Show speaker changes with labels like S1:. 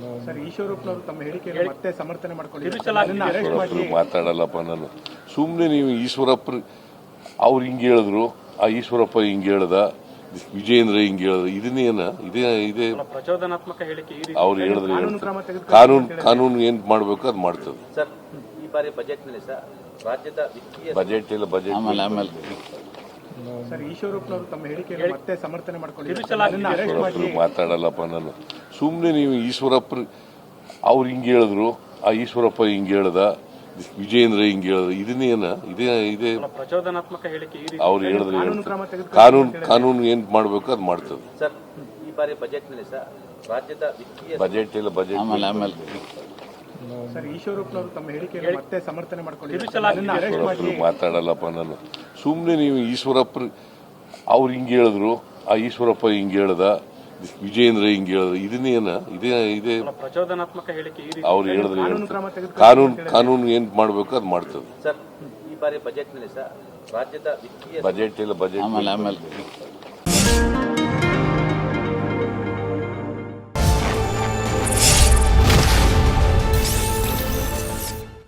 S1: Sir, ಈಶ್ವರಪ್ಪನವರು ತಮ್ಮ ಹೇಳಿಕೆಯನ್ನು ಮತ್ತೆ ಸಮರ್ಥನೆ ಮಾಡಿಕೊಂಡಿದ್ದಾರೆ.
S2: ಮಾತಾಡಲ್ಲಪ್ಪ ನಾನು. ಸುಮ್ಮನೆ ನೀವು ಈಶ್ವರಪ್ಪ ಅವ್ರು ಹಿಂಗೆ ಹೇಳಿದ್ರು, ಆ ಈಶ್ವರಪ್ಪ ಹಿಂಗೆ ಹೇಳ್ದ, ವಿಜಯೇಂದ್ರ ಹಿಂಗೆ ಹೇಳಿದ್ರು, ಇದನ್ನೇನ ಇದೇ
S3: ಪ್ರಚೋದನಾತ್ಮಕ ಹೇಳಿಕೆ
S2: ಅವ್ರು ಹೇಳಿದ್ರೆ ಕಾನೂನು ಏನ್ ಮಾಡ್ಬೇಕು ಅದು ಮಾಡ್ತದೆ.
S4: ಸರ್, ಈ ಬಾರಿ ಬಜೆಟ್ನಲ್ಲಿ ಸರ್ ರಾಜ್ಯದ
S2: ಬಜೆಟ್ ಇಲ್ಲ, ಬಜೆಟ್
S1: ಸರ್, ಈಶ್ವರಪ್ಪನವರು ತಮ್ಮ ಹೇಳಿಕೆಯನ್ನು ಮತ್ತೆ ಸಮರ್ಥನೆ ಮಾಡಿಕೊಂಡಿದ್ದಾರೆ.
S2: ಮಾತಾಡಲ್ಲಪ್ಪ ನಾನು. ಸುಮ್ಮನೆ ನೀವು ಈಶ್ವರಪ್ಪ ಅವ್ರು ಹಿಂಗೆ ಹೇಳಿದ್ರು, ಆ ಈಶ್ವರಪ್ಪ ಹಿಂಗೆ ಹೇಳ್ದ, ವಿಜಯೇಂದ್ರ ಹಿಂಗೆ ಹೇಳಿದ್ರು, ಇದನ್ನೇನ ಇದೇ
S3: ಪ್ರಚೋದನಾತ್ಮಕ ಹೇಳಿಕೆ
S2: ಅವ್ರು ಹೇಳಿದ್ರೆ ಕಾನೂನು ಏನ್ ಮಾಡ್ಬೇಕು ಅದು ಮಾಡ್ತದೆ.
S4: ಸರ್, ಈ ಬಾರಿ ಬಜೆಟ್ನಲ್ಲಿ ಸರ್ ರಾಜ್ಯದ
S2: ಬಜೆಟ್ ಇಲ್ಲ, ಬಜೆಟ್
S1: ಸರ್, ಈಶ್ವರಪ್ಪನವರು ತಮ್ಮ ಹೇಳಿಕೆಯನ್ನು ಮತ್ತೆ ಸಮರ್ಥನೆ ಮಾಡಿಕೊಂಡಿದ್ದಾರೆ.
S2: ಮಾತಾಡಲ್ಲಪ್ಪ ನಾನು. ಸುಮ್ಮನೆ ನೀವು ಈಶ್ವರಪ್ಪ ಅವ್ರು ಹಿಂಗೆ ಹೇಳಿದ್ರು, ಆ ಈಶ್ವರಪ್ಪ ಹಿಂಗೆ ಹೇಳ್ದ, ವಿಜಯೇಂದ್ರ ಹಿಂಗೆ ಹೇಳಿದ್ರು, ಇದನ್ನೇನ
S3: ಪ್ರಚೋದನಾತ್ಮಕ ಹೇಳಿಕೆ
S2: ಅವ್ರು ಹೇಳಿದ್ರೆ ಕಾನೂನು ಏನ್ ಮಾಡ್ಬೇಕು ಅದು ಮಾಡ್ತದೆ.
S4: ಸರ್, ಈ ಬಾರಿ ಬಜೆಟ್ನಲ್ಲಿ ಸರ್ ರಾಜ್ಯದ
S2: ಬಜೆಟ್ ಇಲ್ಲ, ಬಜೆಟ್